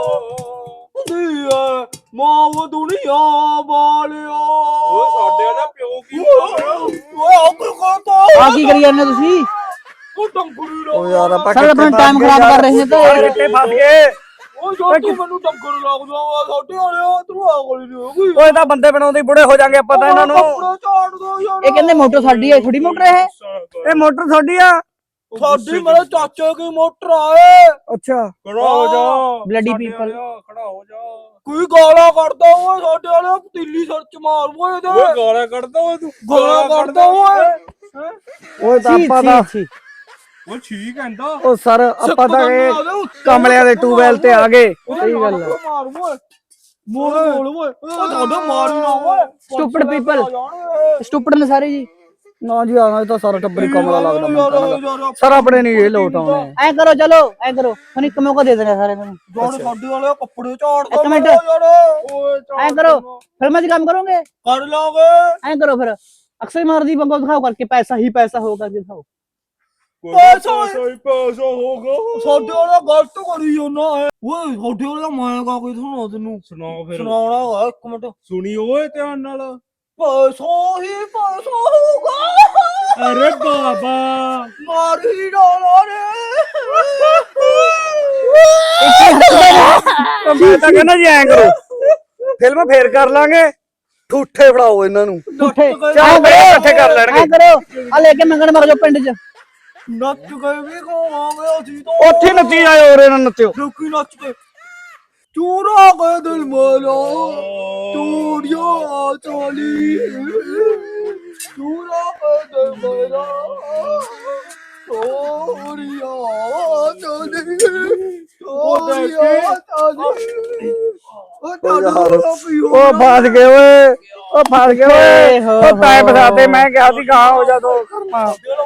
ਹੁੰਦੀ ਐ ਮਾਂ ਉਹ ਦੁਨੀਆ ਵਾਲਿਓ ਓਏ ਸਾਡੇ ਦਾ ਪਿਓ ਕੀ ਓਏ ਆ ਕੋਈ ਕਰਦਾ ਆ ਕੀ ਕਰੀ ਜਾਂਦੇ ਤੁਸੀਂ? ਉਹ ਟੰਗਰੀ ਓ ਯਾਰ ਆਪਾਂ ਸਰ ਆਪਣਾ ਟਾਈਮ ਖਰਾਬ ਕਰ ਰਹੇ ਨੇ ਤਾਂ ਕਿੱਥੇ ਫਸ ਗਏ। ਓ ਜੋ ਤੂੰ ਮੈਨੂੰ ਟੰਗਰ ਲੱਗ ਜਾਵਾ ਸਾਡੇ ਵਾਲਿਓ ਤੂੰ ਆ ਗੋਲੀ ਨਹੀਂ ਹੋਗੀ ਓਏ ਤਾਂ ਬੰਦੇ ਬਣਾਉਂਦੇ ਬੁੜੇ ਹੋ ਜਾਣਗੇ ਆਪਾਂ ਤਾਂ ਇਹਨਾਂ ਨੂੰ। ਕੱਪੜੇ ਝਾੜ ਦੋ ਯਾਰ ਇਹ ਕਹਿੰਦੇ ਮੋਟਰ ਸਾਡੀ ਹੈ, ਥੋੜੀ ਮੋਟਰ ਹੈ ਇਹ ਮੋਟਰ ਤੁਹਾਡੀ ਆ? ਸਾਡੀ ਮੇਰੇ ਚਾਚੇ ਦੀ ਮੋਟਰ ਆਏ ਅੱਛਾ ਖੜਾ ਹੋ ਜਾ Bloody ਸਾਡੇ people। ਵਾਲਿਆ, ਖੜਾ ਹੋ ਜਾ ਕੋਈ ਗਾਲਾਂ ਕੱਢਦਾ ਓਏ ਸਾਡੇ ਵਾਲੇ ਪਤੀਲੀ ਸਿਰ ਚ ਮਾਰ ਓਏ ਇਹਦੇ ਓਏ ਗਾਲਾਂ ਕੱਢਦਾ ਓਏ ਤੂੰ ਗਾਲਾਂ ਕੱਢਦਾ ਓਏ ਓਏ ਤਾਂ ਆਪਾਂ ਤਾਂ ਓ ਠੀਕ ਕਹਿੰਦਾ ਉਹ ਸਰ ਆਪਾਂ ਤਾਂ ਇਹ ਕਮਲਿਆਂ ਦੇ ਟੂਬੈਲ ਤੇ ਆ ਗਏ। ਸਹੀ ਗੱਲ ਆ ਮਾਰ ਓਏ ਮੋੜ ਓਏ ਓ ਤੁਹਾਡਾ ਮਾਰ ਹੀ ਨਾ ਓਏ Stupid people। ਸਟੂਪਿਡ ਨੇ ਸਾਰੇ ਜੀ। ਨਾ ਜੀ ਆਣਾ ਤਾਂ ਸਾਰਾ ਟੱਬਰ ਹੀ ਕਮਲਾ ਲੱਗਦਾ ਮੈਨੂੰ। ਸਰ ਆਪਣੇ ਨਹੀਂ ਇਹ ਲੋਟ ਆਉਣੇ। ਐ ਕਰੋ ਚਲੋ ਐ ਕਰੋ ਤੁਹਾਨੂੰ ਇੱਕ ਮੌਕਾ ਦੇ ਦੇਣਾ ਸਾਰੇ ਨੂੰ। ਜੋੜ ਸਾਡੇ ਵਾਲੇ ਕੱਪੜੇ ਝਾੜਦਾ ਇੱਕ ਮਿੰਟ। ਯਾਰ ਓਏ ਐ ਕਰੋ ਫਿਲਮਾਂ 'ਚ ਕੰਮ ਕਰੋਗੇ? ਕਰ ਲਾਂਗੇ ਐ ਕਰੋ ਫਿਰ ਅਕਸ਼ਰ ਮਾਰਦੀ ਬੰਗੋ ਦਿਖਾਓ ਕਰਕੇ ਪੈਸਾ ਹੀ ਪੈਸਾ ਹੋ ਕਰਕੇ ਦਿਖਾਓ। ਪੈਸਾ ਹੀ ਪੈਸਾ ਹੋਗਾ ਸਾਡੇ ਵਾਲਾ ਗਲਤ ਕਰੀ ਜਾਂਦਾ ਹੈ ਓਏ ਸਾਡੇ ਵਾਲਾ ਮੈਂ ਕਾ ਕੋਈ ਸੁਣਾ ਤੈਨੂੰ ਸੁਣਾ ਫਿਰ ਸੁਣਾਉਣਾ ਵਾ ਇੱਕ ਮਿੰਟ ਸੁਣੀ ਓਏ ਧਿਆਨ ਨਾਲ ਪੈਸਾ ਹੀ ਪੈਸਾ ਹੋਊਗਾ ਅਰੇ ਬਾਬਾ ਮਾਰ ਹੀ ਡਾਲਾ ਰੇ ਮੈਂ ਤਾਂ ਕਹਿੰਦਾ ਜੀ ਐਂ ਕਰੋ ਫਿਲਮ ਫੇਰ ਕਰ ਲਾਂਗੇ ਠੂਠੇ ਫੜਾਓ ਇਹਨਾਂ ਨੂੰ। ਝੂਠੇ ਚਾਹ ਬੜੇ ਇਕੱਠੇ ਕਰ ਐ ਲੈਣਗੇ। ਕਰੋ ਆ ਲੈ ਕੇ ਮੰਗਣ ਮਰ ਜਾਓ ਪਿੰਡ 'ਚ। ਨੱਚ ਕੇ ਵੀ ਖਾਵਾਂਗੇ ਅਸੀਂ ਤਾਂ ਉੱਥੇ ਨੱਚੀ ਜਾਓ ਉਰੇ ਨਾ ਨੱਚਿਓ। ਲੋਕੀ ਨੱਚ ਕੇ ਚੂਰਾ ਕੇ ਦਿਲ ਮੇਰਾ ਚੂੜੀਆਂ ਚੋਲੀ ਚੂਰਾ ਕੇ ਦਿਲ ਮੇਰਾ ਚੋਰੀਆਂ ਚੋਲੀ ਚੋਰੀਆਂ ਚੋਲੀ ਉਹ ਫਸ ਗਏ ਓਏ ਉਹ ਫਸ ਗਏ ਓਏ ਉਹ ਟਾਈਮ ਫਸਾਤੇ ਮੈਂ ਕਿਹਾ ਸੀ ਗਾਂ ਹੋ ਜਾ ਦੋ ਕਰਮਾ।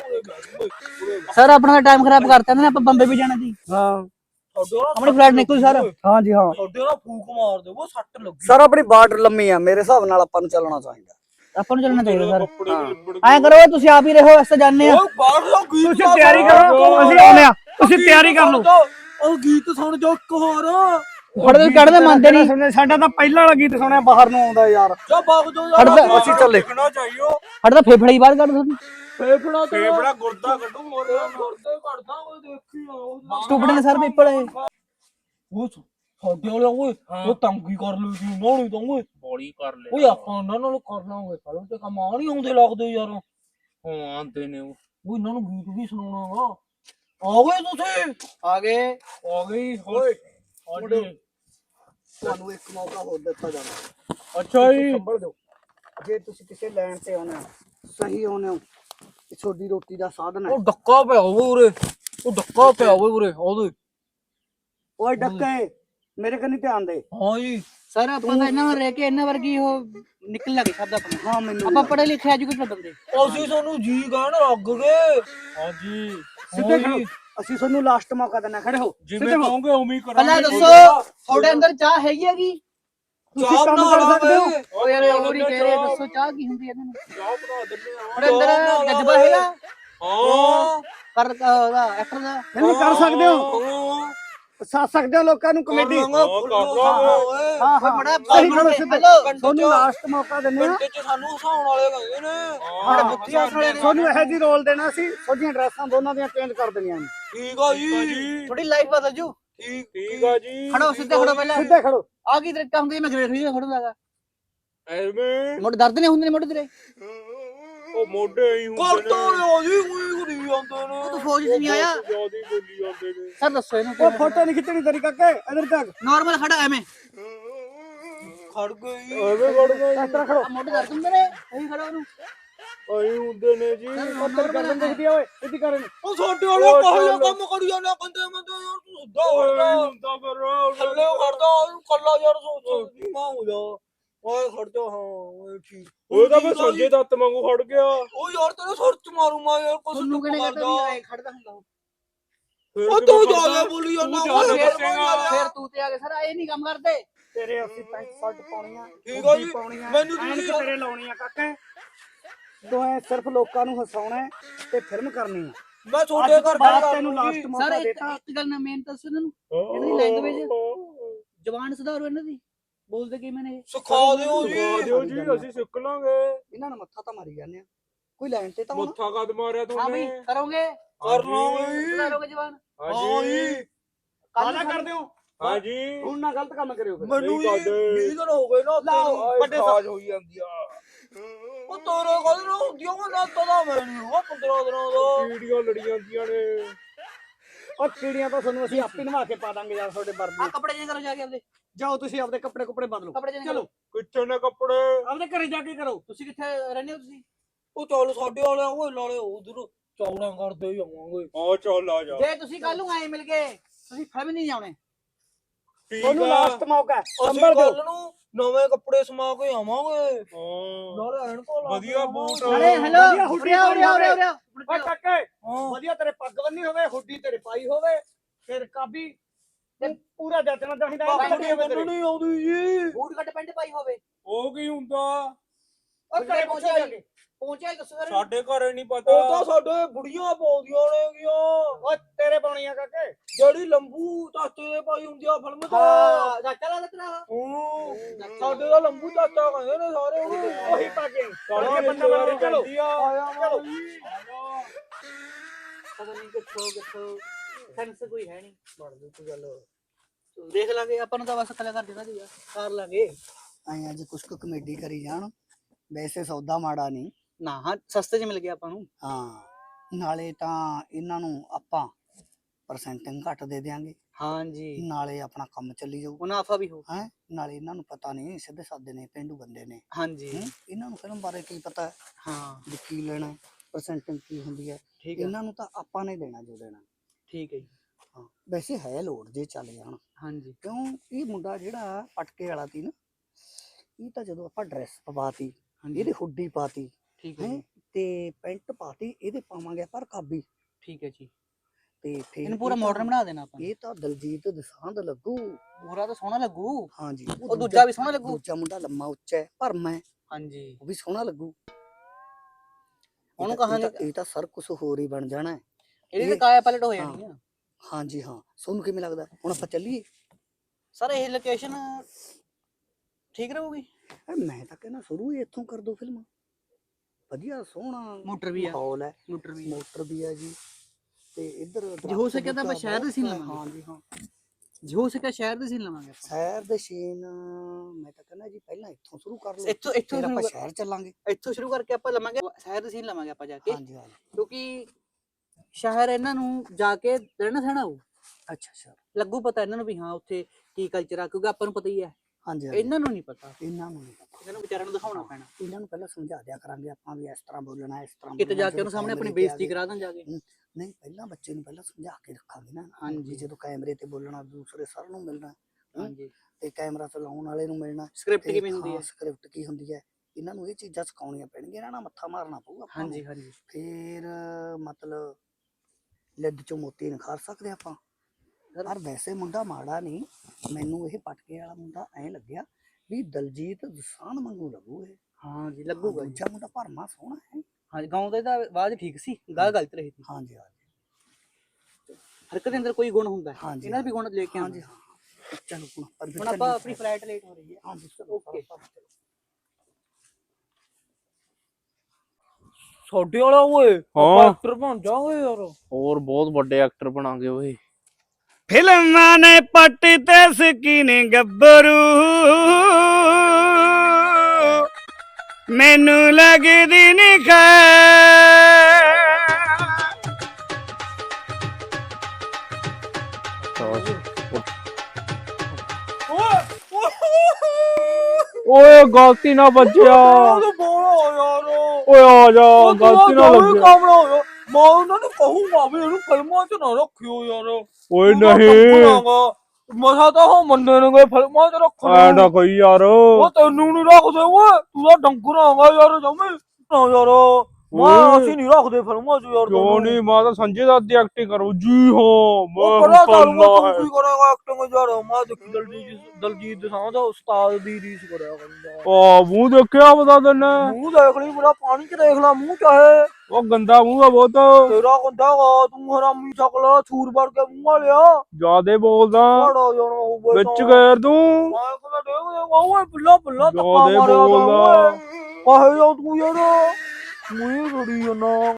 ਸਰ ਆਪਣਾ ਟਾਈਮ ਖਰਾਬ ਕਰਤਾ ਨਾ ਆਪਾਂ ਬੰਬੇ ਵੀ ਜਾਣਾ ਸੀ। ਹਾਂ ਆਪਣੀ ਫਲਾਈਟ ਨਿਕਲ ਸਰ। ਹਾਂਜੀ ਹਾਂ ਸਾਡੇ ਨਾਲ ਫੂਕ ਮਾਰ ਦੇ ਉਹ ਸੱਟ ਲੱਗੀ ਸਰ ਆਪਣੀ ਬਾਟ ਲੰਮੀ ਆ ਮੇਰੇ ਹਿਸਾਬ ਨਾਲ ਆਪਾਂ ਨੂੰ ਚੱਲਣਾ ਚਾਹੀਦਾ। ਆਪਾਂ ਨੂੰ ਚੱਲਣਾ ਚਾਹੀਦਾ ਸਰ। ਐਂ ਕਰੋ ਤੁਸੀਂ ਆਪ ਹੀ ਰਹੋ ਅਸੀਂ ਜਾਣੇ ਆ। ਓਏ ਬਾਹਰ ਦਾ ਗੀਤ ਤੁਸੀਂ ਤਿਆਰੀ ਕਰੋ ਅਸੀਂ ਆਉਂਦੇ ਆ ਤੁਸੀਂ ਤਿਆਰੀ ਕਰ ਲਓ। ਉਹ ਗੀਤ ਸੁਣ ਜੋ ਇੱਕ ਹੋਰ ਫੜਦੇ ਕੱਢਦੇ ਮੰਨਦੇ ਨਹੀਂ। ਸਾਡਾ ਤਾਂ ਪਹਿਲਾਂ ਵਾਲਾ ਗੀਤ ਸੁਣਿਆ ਬਾਹਰ ਨੂੰ ਆਉਂਦਾ ਯਾਰ। ਜਾ ਬਾਗ ਜੋ ਹਟਦਾ ਅਸੀਂ ਚੱਲੇ। ਦੇਖਣਾ ਚਾਹੀਓ ਸਾਡਾ ਫੇਫੜਾ ਹੀ ਬਾਹਰ ਕੱਢ ਤੁਹਾਨੂੰ। ਫੇਫੜਾ ਤੇ ਫੇਫੜਾ ਗੁਰਦਾ ਕੱਢੂ ਮੋਰੇ ਗੁਰਦੇ ਕੱਢਦਾ ਉਹ ਦੇਖੀ ਆ ਸਟੂਪਿਡ ਨੇ ਸਰ ਪੇਪਰ ਇਹ। ਉਹ ਸਾਡੇ ਵਾਲਾ ਓਏ ਉਹ ਤੰਗੀ ਕਰ ਲਈ ਸੀ ਉਹਨਾਂ ਨੂੰ ਤਾਂ ਓਏ ਬੋਲੀ ਕਰ ਲੈ ਓਏ ਆਪਾਂ ਉਹਨਾਂ ਨਾਲ ਕਰ ਲਾਂਗੇ ਕੱਲ ਤੇ ਕੰਮ ਆ ਨਹੀਂ ਆਉਂਦੇ ਲੱਗਦੇ ਯਾਰ ਹਾਂ ਆਂਦੇ ਨੇ ਉਹ ਇਹਨਾਂ ਨੂੰ ਗੀਤ ਵੀ ਸੁਣਾਉਣਾ ਵਾ ਆ ਗਏ ਤੁਸੀਂ ਆ ਗਏ। ਆ ਗਈ ਓਏ ਮੁੰਡੇ ਤੁਹਾਨੂੰ ਇੱਕ ਮੌਕਾ ਹੋਰ ਦਿੱਤਾ ਜਾਣਾ। ਅੱਛਾ ਜੀ ਸੰਭਲ ਦਿਓ ਜੇ ਤੁਸੀਂ ਕਿਸੇ ਲੈਣ ਤੇ ਆਉਣੇ ਹੋ ਸਹੀ ਆਉਣੇ ਹੋ ਤੁਹਾਡੀ ਰੋਟੀ ਦਾ ਸਾਧਨ ਹੈ। ਉਹ ਡੱਕਾ ਪਿਆ ਓਏ ਉਰੇ ਉਹ ਡੱਕਾ ਪਿਆ ਓਏ ਉਰੇ ਉਹਦੇ ਓਏ ਡੱਕੇ ਮੇਰੇ ਕੰਨੀ ਧਿਆਨ ਦੇ। ਹਾਂ ਜੀ ਸਰ ਆਪਾਂ ਤਾਂ ਇਹਨਾਂ ਨਾਲ ਰਹਿ ਕੇ ਇਹਨਾਂ ਵਰਗੀ ਉਹ ਨਿਕਲ ਲੱਗੇ ਸ਼ਬਦ ਆਪਣੇ। ਹਾਂ ਮੈਨੂੰ ਆਪਾਂ ਪੜ੍ਹੇ ਲਿਖੇ ਐਜੂਕੇਟਡ ਬੰਦੇ। ਅਸੀਂ ਤੁਹਾਨੂੰ ਜੀ ਕਹਿਣ ਲੱਗ ਗਏ ਹਾਂਜੀ ਸਿੱਧੇ ਖੜੋ ਅਸੀਂ ਤੁਹਾਨੂੰ ਲਾਸਟ ਮੌਕਾ ਦੇਣਾ ਖੜੇ ਹੋ ਜਿਵੇਂ ਕਹੋਗੇ ਉਵੇਂ ਹੀ ਪਹਿਲਾਂ ਕਰਾਂਗੇ ਦੱਸੋ ਤੁਹਾਡੇ ਅੰਦਰ ਚਾਹ ਹੈਗੀ ਹੈਗੀ? ਤੁਸੀਂ ਕੰਮ ਕਰ ਸਕਦੇ ਹੋ। ਉਹ ਯਾਰ ਉਹ ਨਹੀਂ ਕਹਿ ਰਹੇ ਦੱਸੋ ਚਾਹ ਕੀ ਹੁੰਦੀ ਹੈ ਇਹਨਾਂ ਨੂੰ? ਚਾਹ ਬਣਾ ਦਿੰਦੇ ਆ ਤੁਹਾਡੇ ਅੰਦਰ ਜਜ਼ਬਾ ਹੈਗਾ ਹਾਂ ਕਰ ਉਹਦਾ ਐਕਟਰ ਦਾ? ਇਹਨੂੰ ਕਰ ਸਕਦੇ ਹੋ ਸਾਥ ਸਕਦੇ ਹੋ ਲੋਕਾਂ ਨੂੰ ਕਮੇਡੀ। ਹਾਂ ਹਾਂ ਬੜਾ ਸਹੀ ਖੜੋ ਸਿੱਧੇ ਤੁਹਾਨੂੰ ਲਾਸਟ ਮੌਕਾ ਦਿੰਦੇ ਆ। ਚ ਸਾਨੂੰ ਹਸਾਉਣ ਵਾਲੇ ਕਹਿੰਦੇ ਨੇ ਸਾਡੇ ਬੁੱਧੀ ਵਾਲੇ ਤੁਹਾਨੂੰ ਇਹੋ ਜਿਹੀ ਰੋਲ ਦੇਣਾ ਸੀ ਤੁਹਾਡੀਆਂ ਡਰੈਸਾਂ ਦੋਨਾਂ ਦੀਆਂ ਚੇਂਜ ਕਰ ਦੇਣੀਆਂ ਨੇ। ਠੀਕ ਆ ਜੀ ਥੋੜੀ ਲਾਈਫ ਬਦਲ ਜੂ। ਠੀਕ ਆ ਜੀ ਖੜੋ ਸਿੱਧੇ ਖੜੋ ਪਹਿਲਾਂ। ਸਿੱਧੇ ਖੜੋ ਆ ਕੀ ਤਰੀਕਾ ਹੁੰਦੀ ਮੈਂ ਗ੍ਰੇਟ ਨਹੀਂ ਖੜਦਾਗਾ। ਐਵੇਂ ਮੋਢੇ ਦਰਦ ਨਹੀਂ ਹੁੰਦੇ ਨੇ ਮੋਢੇ ਤੇਰੇ? ਉਹ ਮੋਢੇ ਹੀ ਹੁੰਦੇ ਕਰ ਦੋ ਲਿਓ ਜੀ ਕੋਈ ਬੋਲੀ ਜਾਂਦੇ ਨੇ। ਤੂੰ ਫੌਜ 'ਚ ਨਹੀਂ ਆਇਆ ਜਿਆਦਾ ਬੋਲੀ ਜਾਂਦੇ ਨੇ। ਸਰ ਦੱਸੋ ਇਹਨੂੰ ਉਹ ਫੋਟੋ ਨਹੀਂ ਖਿੱਚਣੀ ਤੇਰੀ ਕਾਕੇ ਇਧਰ ਤੱਕ ਨਾਰਮਲ ਖੜਾ ਐਵੇਂ ਖੜ ਗਈ ਐਵੇਂ ਖੜਨਾ ਇਸ ਤਰ੍ਹਾਂ ਖੜੋ ਆ ਮੋਢੇ ਦਰਦ ਹੁੰਦੇ ਨੇ ਇਹੀ ਖੜਾ ਉਹਨੂੰ ਆਈ ਹੁੰਦੇ ਨੇ ਜੀ। ਉੱਤਰ ਗਰਦਨ ਦਿਖਦੀ ਆ ਓਏ ਇੱਦੀ ਕਰ ਇਹਨੂੰ ਉਹ ਸਾਡੇ ਵਾਲੇ ਕਹੋ ਜਿਹਾ ਕੰਮ ਕਰੀ ਜਾਂਦੇ ਕੰਦੇ ਮੰਦੇ ਯਾਰ ਤੂੰ ਸਿੱਧਾ ਖੜਦਾ ਹੁੰਦਾ ਫਿਰ ਥੱਲੇ ਖੜਦਾ ਉਹਨੂੰ ਕੱਲਾ ਯਾਰ ਸੋਚ ਧੀਮਾ ਹੋ ਜਾ ਓਏ ਖੜ ਜਾ ਹਾਂ ਓਏ ਠੀਕ ਉਹ ਤਾਂ ਮੈਂ ਸੰਜੇ ਦੱਤ ਵਾਂਗੂ ਖੜ ਗਿਆ। ਉਹ ਯਾਰ ਤੇਰੇ ਸੁਰ ਚ ਮਾਰੂ ਮੈਂ ਯਾਰ ਕੁਛ ਤੁਹਾਨੂੰ ਕਿਹਨੇ ਕਰਦਾ ਕਹਿੰਦਾ ਵੀ ਐ ਖੜਦਾ ਹੁੰਦਾ ਉਹ ਫਿਰ ਉਹ ਤੂੰ ਜਾ ਬੋਲੀ ਤੂੰ ਜਾਂਦਾ ਜ਼ਿਆਦਾ ਫੇਰ ਦੱਸੇਂਗਾ। ਫਿਰ ਤੂੰ ਤੇ ਆ ਕੇ ਸਰ ਇਹ ਨਹੀਂ ਕੰਮ ਕਰਦੇ ਤੇਰੇ ਅਸੀਂ ਪੈਂਟ ਸ਼ਰਟ ਪਾਉਣੀਆਂ ਠੀਕ ਆ ਜੀ ਪਾਉਣੀਆਂ ਮੈਨੂੰ ਐਨਕ ਤੁਸੀਂ ਤੇਰੇ ਲਾਉਣੀ ਆ ਕਾਕੇ ਤੂੰ ਐ ਸਿਰਫ ਲੋਕਾਂ ਨੂੰ ਹਸਾਉਣਾ ਹੈ ਤੇ ਫਿਲਮ ਕਰਨੀ ਹੈ ਮੈਂ ਛੋਟੇ ਘਰ ਬਾਅਦ ਦਾ ਤੈਨੂੰ ਲਾਸਟ ਸਰ ਮੌਕਾ ਇੱਕ ਦੇਤਾ ਇੱਕ ਗੱਲ ਨਾ ਮੇਨ ਤਾਂ ਸੁਣ ਇਹਨੂੰ ਇਹਨਾਂ ਦੀ ਲੈਂਗੁਏਜ ਜ਼ਬਾਨ ਸੁਧਾਰੋ ਇਹਨਾਂ ਦੀ ਬੋਲਦੇ ਕਿਵੇਂ ਨੇ ਸਿਖਾ ਦਿਓ ਜੀ ਸਿਖਾ ਦਿਓ ਜੀ ਅਸੀਂ ਸਿੱਖ ਲਾਂਗੇ। ਇਹਨਾਂ ਨੇ ਮੱਥਾ ਤਾਂ ਮਾਰੀ ਜਾਂਦੇ ਆ ਕੋਈ ਲਾਈਨ ਤੇ ਤਾਂ ਹੁਣ ਮੱਥਾ ਕਦ ਮਾਰਿਆ ਹਾਂ ਬਈ ਤੂੰ? ਕਰੋਗੇ ਕਰਨਾ ਸੁਧਾਰੋਗੇ ਜ਼ਬਾਨ ਹਾਂ ਹਾਂਜੀ ਜੀ ਕਾਹਦਾ ਕਰਦੇ ਹੋ ਹਾਂਜੀ ਹੁਣ ਨਾ ਗਲਤ ਕੰਮ ਕਰਿਓ ਫਿਰ ਮੈਨੂੰ ਨਹੀਂ ਜੀ ਕਰਦੇ। 20 ਦਿਨ ਹੋ ਗਏ ਨਾ ਲਾਓ, ਵੱਡੇ ਸਾਜ ਹੋਈ ਜਾਂਦੀ ਆ। ਉਹ ਤੋਰੇ ਕੋਲ ਨਾ ਹੁੰਦੀਆਂ ਉਹ ਨਾ ਤਾਂ ਮੈਂ ਨਹੀਂ ਉਹ 15 ਦਿਨਾਂ ਦਾ ਕੀੜੀਆਂ ਲੜੀ ਜਾਂਦੀਆਂ ਨੇ। ਉਹ ਕੀੜੀਆਂ ਤਾਂ ਤੁਹਾਨੂੰ ਅਸੀਂ ਆਪੇ ਨਵਾ ਕੇ ਪਾ ਦਾਂਗੇ ਯਾਰ ਤੁਹਾਡੇ ਆ ਵਰਦੀ ਕੱਪੜੇ ਚੇਂਜ ਕਰੋ ਜਾ ਕੇ ਆਪਦੇ ਜਾਓ ਤੁਸੀਂ ਆਪਦੇ ਕੱਪੜੇ ਕੁਪੜੇ ਬਦਲੋ ਕੱਪੜੇ ਚੇਂਜ ਚਲੋ ਕਰੋ ਕਿੱਥੇ ਨੇ ਕੱਪੜੇ? ਆਪਦੇ ਘਰੇ ਜਾ ਕੇ ਕਰੋ ਤੁਸੀਂ ਕਿੱਥੇ ਰਹਿੰਦੇ ਹੋ ਤੁਸੀਂ ਉਹ ਚੱਲ ਸਾਡੇ ਵਾਲੇ ਉਹ ਨਾਲੇ ਉਧਰ ਚੌੜਾਂ ਕਰਦੇ ਹੀ ਆਵਾਂਗੇ ਆ ਚੱਲ ਆ ਜਾ। ਜੇ ਤੁਸੀਂ ਕੱਲ ਨੂੰ ਆਏ ਮਿਲ ਕੇ ਤੁਸੀਂ ਫਿਲਮ ਨਹੀਂ ਜਾਣੇ ਠੀਕ ਤੁਹਾਨੂੰ ਆ। ਲਾਸਟ ਮੌਕਾ ਹੈ ਅਸੀਂ ਸੰਭਲ ਦਿਓ ਕੱਲ ਨੂੰ ਨਵੇਂ ਕੱਪੜੇ ਸਮਾ ਕੇ ਆਵਾਂਗੇ ਹਾਂ ਨਾਲੇ ਐਨਕੋ ਲਾ ਵਧੀਆ ਬੂਟ। ਅਰੇ ਹੈਲੋ ਵਧੀਆ ਹੁੱਡੀ ਉਰਿਆ ਉਰਿਆ ਉਰਿਆ ਉਰਿਆ ਓਏ ਕਾਕੇ ਹਾਂ ਵਧੀਆ ਤੇਰੇ ਪੱਗ ਬੰਨੀ ਹੋਵੇ ਹੁੱਡੀ ਤੇਰੇ ਪਾਈ ਹੋਵੇ ਫਿਰ ਕਾਬੀ ਤੇ ਪੂਰਾ ਜੱਟਣਾ ਚਾਹੀਦਾ ਇਹ ਆਪਣੀ ਹੋਵੇ ਤੇਰੇ। ਮੈਨੂੰ ਨਹੀਂ ਆਉਂਦੀ ਜੀ ਬੂਟ ਕੱਟ ਪੈਂਟ ਪਾਈ ਹੋਵੇ ਉਹ ਕੀ ਹੁੰਦਾ? ਉਹ ਘਰੇ ਪੁੱਛੋ ਜਾ ਕੇ ਪਹੁੰਚਿਆ ਹੀ ਦੱਸੋ ਸਰ ਸਾਡੇ ਘਰੇ ਨਹੀਂ ਉਹ ਪਤਾ। ਤਾਂ ਸਾਡੇ ਬੁੜੀਆਂ ਪਾਉਂਦੀਆਂ ਨੇਗੀਆਂ ਓਏ ਤੇਰੇ ਪਾਉਣੀ ਆ ਕਾਕੇ ਜਿਹੜੀ ਲੰਬੂ ਚਾਚੇ ਦੇ ਪਾਈ ਹੁੰਦੀ ਆ ਫਿਲਮ ਤਾਂ ਹਾਂ ਚਾਚਾ ਲਾ ਤੇਰਾ ਹੂੰ ਸਾਡੇ ਦਾ ਲੰਬੂ ਚਾਚਾ ਕਹਿੰਦੇ ਨੇ ਸਾਰੇ ਉਹਨੂੰ ਉਹੀ ਪਾ ਕੇ ਸਾਡੇ ਬੰਦਾ ਮਾਰੋ ਚਲੋ ਆਇਆ ਚਲੋ ਪਤਾ ਨਹੀਂ ਕਿੱਥੋਂ ਸੈਂਸ ਕੋਈ ਹੈ ਨਹੀਂ ਬੜ ਦੇ ਤੂੰ ਗੱਲ ਦੇਖ ਲਾਂਗੇ ਆਪਾਂ ਨੂੰ ਤਾਂ ਬਸ ਕਲਾਕਾਰ ਦੇਣਾ ਸੀਗਾ ਕਰ ਲਾਂਗੇ ਆਏ ਅੱਜ ਕੁਛ ਕੁ ਕਮੇਡੀ ਕਰੀ ਜਾਣ ਵੈਸੇ ਸੌਦਾ ਮਾੜਾ ਨਹੀਂ ਨਾ ਹਾਂ ਸਸਤੇ 'ਚ ਮਿਲ ਗਿਆ ਆਪਾਂ ਨੂੰ ਹਾਂ ਨਾਲੇ ਤਾਂ ਇਹਨਾਂ ਨੂੰ ਆਪਾਂ ਪਰਸੈਂਟਿੰਗ ਘੱਟ ਦੇ ਦਿਆਂਗੇ ਹਾਂਜੀ ਨਾਲੇ ਆਪਣਾ ਕੰਮ ਚੱਲੀ ਜਾਊ ਮੁਨਾਫਾ ਵੀ ਹੋ ਹੈ ਨਾਲੇ ਇਹਨਾਂ ਨੂੰ ਪਤਾ ਨਹੀਂ ਸਿੱਧੇ ਸਾਦੇ ਨੇ ਪਿੰਡੂ ਬੰਦੇ ਨੇ ਹਾਂਜੀ ਇਹਨਾਂ ਨੂੰ ਫਿਲਮ ਬਾਰੇ ਕੀ ਪਤਾ ਹੈ ਹਾਂ ਵੀ ਕੀ ਲੈਣਾ ਪਰਸੈਂਟਿੰਗ ਕੀ ਹੁੰਦੀ ਹੈ ਠੀਕ ਹੈ ਇਹਨਾਂ ਨੂੰ ਤਾਂ ਆਪਾਂ ਨੇ ਦੇਣਾ ਜੋ ਦੇਣਾ ਠੀਕ ਹੈ ਜੀ ਹਾਂ ਵੈਸੇ ਹੈ ਲੋੜ ਜੇ ਚੱਲ ਜਾਣ ਹਾਂਜੀ ਕਿਉਂ ਇਹ ਮੁੰਡਾ ਜਿਹੜਾ ਪਟਕੇ ਵਾਲਾ ਸੀ ਨਾ ਇਹ ਤਾਂ ਜਦੋਂ ਆਪਾਂ ਡਰੈਸ ਪਵਾਤੀ ਹਾਂਜੀ ਇਹਦੇ ਹੁੱਡੀ ਪਾਤੀ ਠੀਕ ਹੈ ਹੈ ਜੀ ਤੇ ਪੈਂਟ ਪਾਤੀ ਇਹਦੇ ਪਾਵਾਂਗੇ ਪਰ ਕਾਬੀ ਠੀਕ ਹੈ ਜੀ ਤੇ ਫਿਰ ਇਹਨੂੰ ਪੂਰਾ ਇਹ ਤਾਂ- ਮਾਡਰਨ ਬਣਾ ਦੇਣਾ ਆਪਾਂ ਇਹ ਤਾਂ ਦਲਜੀਤ ਦਸਾਂਝ ਲੱਗੂ ਪੂਰਾ ਤਾਂ ਸੋਹਣਾ ਲੱਗੂ ਹਾਂਜੀ ਉਹ ਦੂਜਾ ਵੀ ਸੋਹਣਾ ਲੱਗੂ ਦੂਜਾ ਮੁੰਡਾ ਲੰਮਾ ਉੱਚਾ ਹੈ ਭਰਮਾ ਹੈ ਹਾਂਜੀ ਉਹ ਵੀ ਸੋਹਣਾ ਲੱਗੂ ਉਹਨੂੰ ਇਹ ਤਾਂ- ਕਹਾਂਗੇ ਇਹ ਤਾਂ ਸਰ ਕੁਛ ਹੋਰ ਹੀ ਬਣ ਜਾਣਾ ਹੈ ਇਹਦੀ ਤਾਂ ਕਾਇਆ ਪਲਟ ਹੋ ਹਾਂ। ਜਾਣੀ ਆ ਹਾਂਜੀ ਹਾਂ ਤੁਹਾਨੂੰ ਕਿਵੇਂ ਲੱਗਦਾ ਹੁਣ ਆਪਾਂ ਚੱਲੀਏ ਸਰ ਇਹ ਲੋਕੇਸ਼ਨ ਠੀਕ ਰਹੂਗੀ ਮੈਂ ਤਾਂ ਕਹਿੰਦਾ ਸ਼ੁਰੂ ਹੀ ਇੱਥੋਂ ਕਰ ਦੋ ਫਿਲਮ ਵਧੀਆ ਸੋਹਣਾ ਮੋਟਰ ਵੀ ਆ ਮਾਹੌਲ ਹੈ ਮੋਟਰ ਵੀ ਮੋਟਰ ਵੀ ਹੈ ਜੀ ਤੇ ਇੱਧਰ ਜੇ ਹੋ ਸਕਿਆ ਤਾਂ ਆਪਾਂ ਸ਼ਹਿਰ ਦੇ ਸੀਨ ਹਾਂ ਲਵਾਂਗੇ ਜੀ ਹਾਂ ਜੇ ਹੋ ਸਕਿਆ ਸ਼ਹਿਰ ਦੇ ਸੀਨ ਲਵਾਂਗੇ ਆਪਾਂ ਸ਼ਹਿਰ ਦੇ ਸੀਨ ਮੈਂ ਤਾਂ ਕਹਿੰਦਾ ਜੀ ਪਹਿਲਾਂ ਇੱਥੋਂ ਸ਼ੁਰੂ ਕਰ ਲਓ ਇੱਥੋਂ ਫਿਰ ਆਪਾਂ ਸ਼ੁਰੂ ਸ਼ਹਿਰ ਚੱਲਾਂਗੇ ਇੱਥੋਂ ਸ਼ੁਰੂ ਕਰਕੇ ਆਪਾਂ ਲਵਾਂਗੇ ਸ਼ਹਿਰ ਦੇ ਸੀਨ ਲਵਾਂਗੇ ਆਪਾਂ ਜਾ ਕੇ ਹਾਂਜੀ ਹਾਂਜੀ ਕਿਉਂਕਿ ਸ਼ਹਿਰ ਇਹਨਾਂ ਨੂੰ ਜਾ ਕੇ ਰਹਿਣਾ ਸਹਿਣਾ ਹੋਊ ਅੱਛਾ ਅੱਛਾ ਲੱਗੂ ਪਤਾ ਇਹਨਾਂ ਨੂੰ ਵੀ ਹਾਂ ਉੱਥੇ ਕੀ ਕਲਚਰ ਆ ਕਿਉਂਕਿ ਆਪਾਂ ਨੂੰ ਪਤਾ ਹੀ ਹੈ ਹਾਂਜੀ ਹਾਂਜੀ। ਇਹਨਾਂ ਨੂੰ ਨਹੀਂ ਪਤਾ ਇਹਨਾਂ ਨੂੰ ਨਹੀਂ ਪਤਾ ਇਹਨਾਂ ਨੂੰ ਵਿਚਾਰਿਆਂ ਨੂੰ ਦਿਖਾਉਣਾ ਪੈਣਾ ਇਹਨਾਂ ਨੂੰ ਪਹਿਲਾਂ ਸਮਝਾ ਦਿਆ ਕਰਾਂਗੇ ਆਪਾਂ ਵੀ ਇਸ ਤਰ੍ਹਾਂ ਬੋਲਣਾ ਇਸ ਤਰ੍ਹਾਂ ਕਿਤੇ ਜਾ ਬੋਲਣਾ, ਕੇ ਉਹਨੂੰ ਜਦੋਂ ਸਾਹਮਣੇ ਆਪਣੀ ਕੈਮਰੇ ਤੇ ਆ ਬੇਇੱਜ਼ਤੀ ਗਏ। ਕਰਾ ਦਾਂ ਜਾ ਕੇ ਨਹੀਂ ਪਹਿਲਾਂ ਬੱਚੇ ਨੂੰ ਪਹਿਲਾਂ ਸਮਝਾ ਕੇ ਰੱਖਾਂਗੇ ਨਾ ਹਾਂਜੀ। ਵੀ ਜਦੋਂ ਕੈਮਰੇ ਤੇ ਬੋਲਣਾ ਦੂਸਰੇ ਸਰ ਨੂੰ ਮਿਲਣਾ ਹਾਂਜੀ ਤੇ ਕੈਮਰਾ ਚਲਾਉਣ ਵਾਲੇ ਨੂੰ ਮਿਲਣਾ ਸਕ੍ਰਿਪਟ ਕਿਵੇਂ ਹੁੰਦੀ ਹੈ ਸਕ੍ਰਿਪਟ ਕੀ ਹੁੰਦੀ ਹੈ ਇਹਨਾਂ ਨੂੰ ਇਹ ਚੀਜ਼ਾਂ ਸਿਖਾਉਣੀਆਂ ਪੈਣਗੀਆਂ ਇਹਨਾਂ ਨਾਲ ਮੱਥਾ ਮਾਰਨਾ ਪਊਗਾ ਆਪਾਂ ਨੂੰ। ਹਾਂਜੀ ਹਾਂਜੀ ਫਿਰ ਮਤਲਬ ਲਿੱਦ ਚੋਂ ਮੋਤੀ ਨਿਖਾਰ ਸਕਦੇ ਆਪਾਂ ਪਰ ਵੈਸੇ ਮੁੰਡਾ ਮਾੜਾ ਨਹੀਂ ਮੈਨੂੰ ਇਹ ਪਟਕੇ ਵਾਲਾ ਮੁੰਡਾ ਐਂ ਲੱਗਿਆ ਵੀ ਦਲਜੀਤ ਦਸਾਂਝ ਵਾਂਗੂ ਲੱਗੂ ਇਹ ਹਾਂਜੀ ਲੱਗੂਗਾ ਜੀ ਦੂਜਾ ਮੁੰਡਾ ਭਰਮਾ ਸੋਹਣਾ ਹੈ ਹਾਂਜੀ ਗਾਉਂ ਦਾ ਇਹਦਾ ਆਵਾਜ਼ ਠੀਕ ਸੀ ਗੱਲ ਗਲਤ ਰਹੀ ਸੀ ਹਾਂਜੀ ਹਾਂਜੀ ਹਰਕਤ ਦੇ ਅੰਦਰ ਕੋਈ ਗੁਣ ਹੁੰਦਾ ਹੈ ਹਾਂਜੀ, ਇਹਨਾਂ ਦੇ ਵੀ ਗੁਣ ਲੈ ਕੇ ਹਾਂਜੀ ਆਉਂਦੇ ਹਾਂ ਚਲੋ ਹੁਣ ਆਪਾਂ ਆਪਣੀ ਫਲਾਈਟ ਲੇਟ ਹੋ ਰਹੀ ਹੈ ਹਾਂਜੀ ਓਕੇ ਸਾਡੇ ਵਾਲਾ ਓਏ ਹਾਂ। ਐਕਟਰ ਬਣ ਜਾਓਗੇ ਯਾਰ ਹੋਰ ਬਹੁਤ ਵੱਡੇ ਐਕਟਰ ਬਣਾਂਗੇ ਓਏ। ਫਿਲਮਾਂ ਨੇ ਪੱਟ ਤੇ ਸਕੀਨੇ ਗੱਭਰੂ ਮੈਨੂੰ ਲੱਗਦੀ ਨੀ ਖੈਰ ਓਏ ਗਲਤੀ ਨਾਲ ਵੱਜਿਆ। ਉਹ ਬੋਲੋ ਯਾਰ ਓਏ ਆ ਜਾ, ਗਲਤੀ ਨਾਲ ਉਹ ਲੱਗਿਆ। ਕੰਮ ਨਾ ਹੋਇਆ ਮੈਂ ਉਹਨਾਂ ਨੂੰ ਕਹੂੰਗਾ ਵੀ ਇਹਨੂੰ ਫਿਲਮਾਂ 'ਚ ਨਾ ਰੱਖਿਓ ਯਾਰ। ਓਏ ਤੂੰ ਤਾਂ ਨਹੀਂ ਟੱਕਰਾਂਗਾ। ਮਸਾ ਤਾਂ ਉਹ ਮੰਨਣਗੇ ਫਿਲਮਾਂ 'ਚ ਰੱਖਣ ਐ ਨੂੰ। ਨਾ ਕੋਈ ਯਾਰ। ਉਹ ਤੈਨੂੰ ਨੀ ਰੱਖਦੇ ਓਏ ਤੂੰ ਤਾਂ ਡੰਗਰਾਂਗਾ ਯਾਰ ਜਮੇ ਨਾ ਯਾਰ ਮੈਂ ਅਸੀਂ ਨੀ ਰੱਖਦੇ ਫਿਲਮਾਂ 'ਚ ਯਾਰ ਕਿਉਂ ਨਹੀਂ? ਮੈਂ ਤਾਂ ਸੰਜੇ ਦੱਤ ਦੀ ਐਕਟਿੰਗ ਕਰੂ ਜੀ। ਹਾਂ ਉਹ ਮੈਂ ਕਰਾ ਕਰੂੰਗਾ ਕਰਨਾ ਤੂੰ ਹੈ। ਕੀ ਕਰੇਗਾ ਐਕਟਿੰਗ ਯਾਰ ਮੈਂ ਦੇਖੀ ਦਲਜੀਤ ਦੋਸਾਂਝ ਦਾ ਉਸਤਾਦ ਦੀ ਰੀਸ ਕਰਿਆ ਕਰੂੰਗਾ। ਆ ਮੂੰਹ ਦੇਖਿਆ ਬਤਾ ਦਿੰਨਾ। ਮੂੰਹ ਦੇਖ ਲਈ ਮੇਰਾ ਪਾਣੀ 'ਚ ਦੇਖ ਲੈ ਮੂੰਹ ਚਾਹੇ ਉਹ ਗੰਦਾ ਮੂੰਹ ਆ ਬਹੁਤ। ਤੇਰਾ ਗੰਦਾ ਵਾ ਤੂੰ ਹਰਾਮੀ ਸ਼ਕਲ ਸੂਰ ਵਰ ਕੇ ਮੂੰਹ ਵਾਲਿਆ ਜਿਆਦੇ ਬੋਲਦਾ ਮਾੜਾ ਜਾਣਾ ਹੋਊਗਾ ਵਿੱਚ ਗੈਰ ਤੂੰ। ਮੈਂ ਕਹਿੰਦਾ ਦੇਖ ਓਏ ਬੱਲਾ ਬੱਲਾ ਧੱਕਾ ਜਿਆਦੇ ਮਾਰਿਆ ਬੋਲਦਾ। ਓਏ ਆਹੇ ਤੂੰ ਯਾਰ ਮੂੰਹ ਰੜੀ ਨਾ